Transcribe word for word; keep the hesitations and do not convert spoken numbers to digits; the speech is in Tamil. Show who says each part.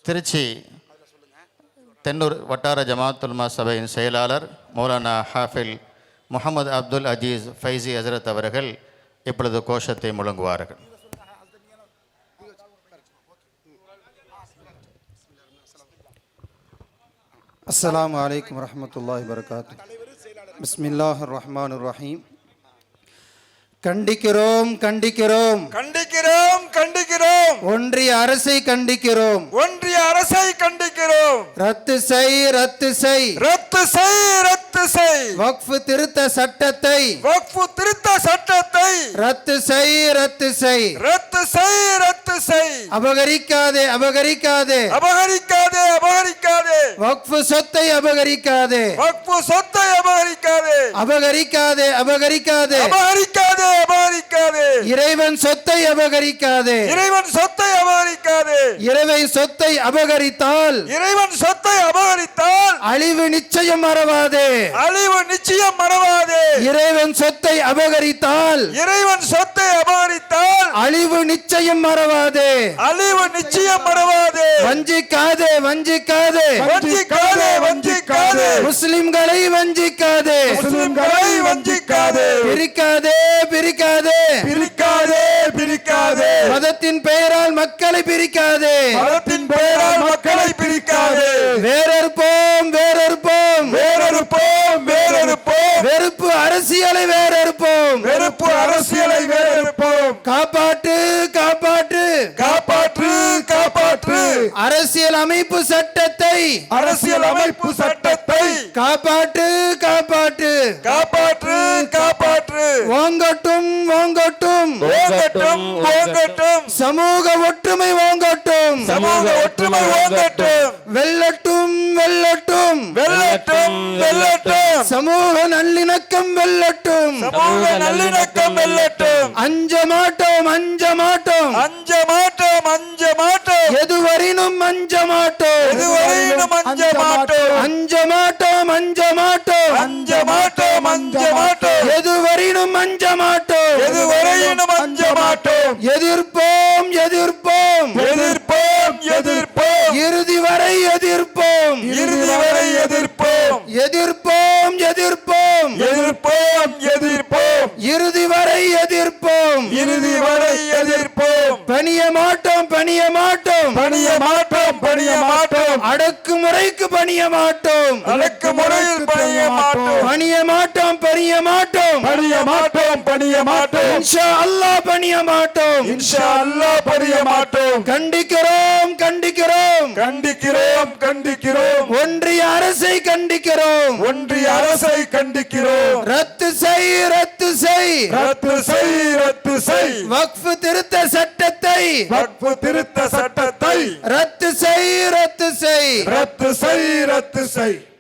Speaker 1: திருச்சி தென்னூர் வட்டார ஜமாத்துல்மா சபையின் செயலாளர் மௌலானா ஹாஃபில் முகமது அப்துல் அஜீஸ் ஃபைசி ஹசரத் அவர்கள் இப்பொழுது கோஷத்தை முழங்குவார்கள்.
Speaker 2: அஸ்ஸலாமு அலைக்கும் வரஹ்மத்துல்லாஹி வபரகாத்துஹு. பிஸ்மில்லாஹிர் ரஹ்மானிர் ரஹீம். கண்டிக்கிறோம் கண்டிக்கிறோம்
Speaker 3: கண்டிக்கிறோம் கண்டிக்கிறோம்
Speaker 2: ஒன்றிய அரசை கண்டிக்கிறோம்
Speaker 3: ஒன்றிய அரசை கண்டிக்கிறோம்.
Speaker 2: ரத்து செய் ரத்து செய்
Speaker 3: ரத்து செய் ரத்து செய்
Speaker 2: வக்ஃப் திருத்த சட்டத்தை
Speaker 3: வக்ஃப் திருத்த சட்டத்தை
Speaker 2: ரத்து செய் ரத்து செய்
Speaker 3: ரத்து செய் ரத்து செய்
Speaker 2: அபகரிக்காதே அபகரிக்காதே
Speaker 3: அபகரிக்காதே அபகரிக்காதே
Speaker 2: வக்ஃப் சொத்தை அபகரிக்காதே
Speaker 3: வக்ஃப் சொத்தை அபகரிக்காதே
Speaker 2: அபகரிக்காதே அபகரிக்காதே
Speaker 3: அபகரிக்காதே அபகரிக்காதே
Speaker 2: இறைவன் சொத்தை அபகரிக்காதே
Speaker 3: இறைவன் சொத்தை அபகரிக்காதே
Speaker 2: இறைவன் சொத்தை அபகரித்தால்
Speaker 3: இறைவன் சொத்தை அபகரித்தால்
Speaker 2: அழிவு நிச்சயம் மறவாதே
Speaker 3: அழிவு நிச்சயம் மறவாதே
Speaker 2: இறைவன் சொத்தை அபகரித்தால்
Speaker 3: இறைவன் சொத்தை அபகரித்தால்
Speaker 2: அழிவு நிச்சயம் மறவாதே
Speaker 3: அழிவு நிச்சயம் மறவாதே
Speaker 2: வஞ்சிக்காதே வஞ்சிக்காதே
Speaker 3: வஞ்சிக்காதே வஞ்சிக்காதே
Speaker 2: முஸ்லிம்களை வஞ்சிக்காதே
Speaker 3: முஸ்லிம்களை வஞ்சிக்காதே
Speaker 2: பிரிக்காதே பிரிக்காதே
Speaker 3: பிரிக்காதே பிரிக்காதே
Speaker 2: மதத்தின் பெயரால் மக்களை பிரிக்காதே
Speaker 3: மதத்தின் பெயரால் மக்களை பிரிக்காதே
Speaker 2: வேறறுப்போம் வேறறுப்போம்
Speaker 3: வேறறுப்போம் வேறறுப்போம்
Speaker 2: வெறுப்பு அரசியலை வேறறுப்போம்
Speaker 3: வெறுப்பு அரசியலை வேறறுப்போம்.
Speaker 2: காப்பாற்று காப்பாற்று
Speaker 3: காப்பாற்று காப்பாற்று
Speaker 2: அரசியல் அமைப்பு சட்டத்தை
Speaker 3: அரசியல் அமைப்பு சட்டத்தை
Speaker 2: காப்பாற்று காப்பாற்று
Speaker 3: காப்பாற்று காப்பாற்று
Speaker 2: ஓங்கட்டும் ஓங்கட்டும்
Speaker 3: ஓங்கட்டும் ஓங்கட்டும்
Speaker 2: சமூக ஒற்றுமை ஓங்கட்டும்
Speaker 3: சமூக ஒற்றுமை ஓங்கட்டும்
Speaker 2: வெல்லட்டும் வெல்லட்டும்
Speaker 3: வெல்லட்டும் வெல்லட்டும்
Speaker 2: சமூக நல்லிணக்கம் வெல்லட்டும்
Speaker 3: சமூக நல்லிணக்கம் வெல்லட்டும்.
Speaker 2: அஞ்ச மாட்டோம் அஞ்ச மாட்டோம்
Speaker 3: அஞ்ச மாட்டோம் அஞ்ச மாட்டோம்
Speaker 2: எதுவரையினும் அஞ்ச மாட்டோம்
Speaker 3: எதுவரையிலும் அஞ்ச மாட்டோம்
Speaker 2: அஞ்ச மாட்டோம் அஞ்ச மாட்டோம்
Speaker 3: அஞ்ச மாட்டோம் அஞ்ச மாட்டோம்
Speaker 2: எதுவரையினும் அஞ்ச மாட்டோம்
Speaker 3: எதுவரையிலும் அஞ்ச மாட்டோம்.
Speaker 2: எதிர்ப்போம் எதிர்ப்போம்
Speaker 3: எதிர்ப்போம் எதிர்ப்போம்
Speaker 2: இறுதி வரை எதிர்ப்போம்
Speaker 3: இறுதி வரை எதிர்ப்போம்
Speaker 2: எதிர்ப்போம் எதிர்ப்போம்
Speaker 3: எதிர்ப்போம் எதிர்ப்போம்
Speaker 2: இறுதி வரை எதிர்ப்போம்
Speaker 3: இறுதி வரை எதிர்ப்போம்.
Speaker 2: பணிய மாட்டோம் பணிய மாட்டோம்
Speaker 3: பணிய மாட்டோம் பணிய மாட்டோம்
Speaker 2: அடக்குமுறைக்கு பணிய மாட்டோம்
Speaker 3: அடக்கு முறையில் பணிய மாட்டோம்
Speaker 2: பணிய மாட்டோம் பணிய மாட்டோம்
Speaker 3: பணிய மாட்டோம் பணிய மாட்டோம்
Speaker 2: இன்ஷா அல்லாஹ் பணிய மாட்டோம்
Speaker 3: இன்ஷா அல்லாஹ் பணிய மாட்டோம்.
Speaker 2: கண்டிக்கிறோம் கண்டிக்கிறோம்
Speaker 3: கண்டிக்கிறோம் கண்டிக்கிறோம்
Speaker 2: ஒன்றிய அரசை கண்டிக்கிறோம்
Speaker 3: ஒன்றிய அரசை கண்டிக்கிறோம்.
Speaker 2: ரத்து செய் ரத்து செய்
Speaker 3: ரத்து செய் ரத்து செய்
Speaker 2: வக்ஃப் திருத்த சட்டத்தை
Speaker 3: வக்ஃப் திருத்த சட்டத்தை
Speaker 2: ரத்து செய் ரத்து செய்
Speaker 3: ரத்து செய் ரத்து செய்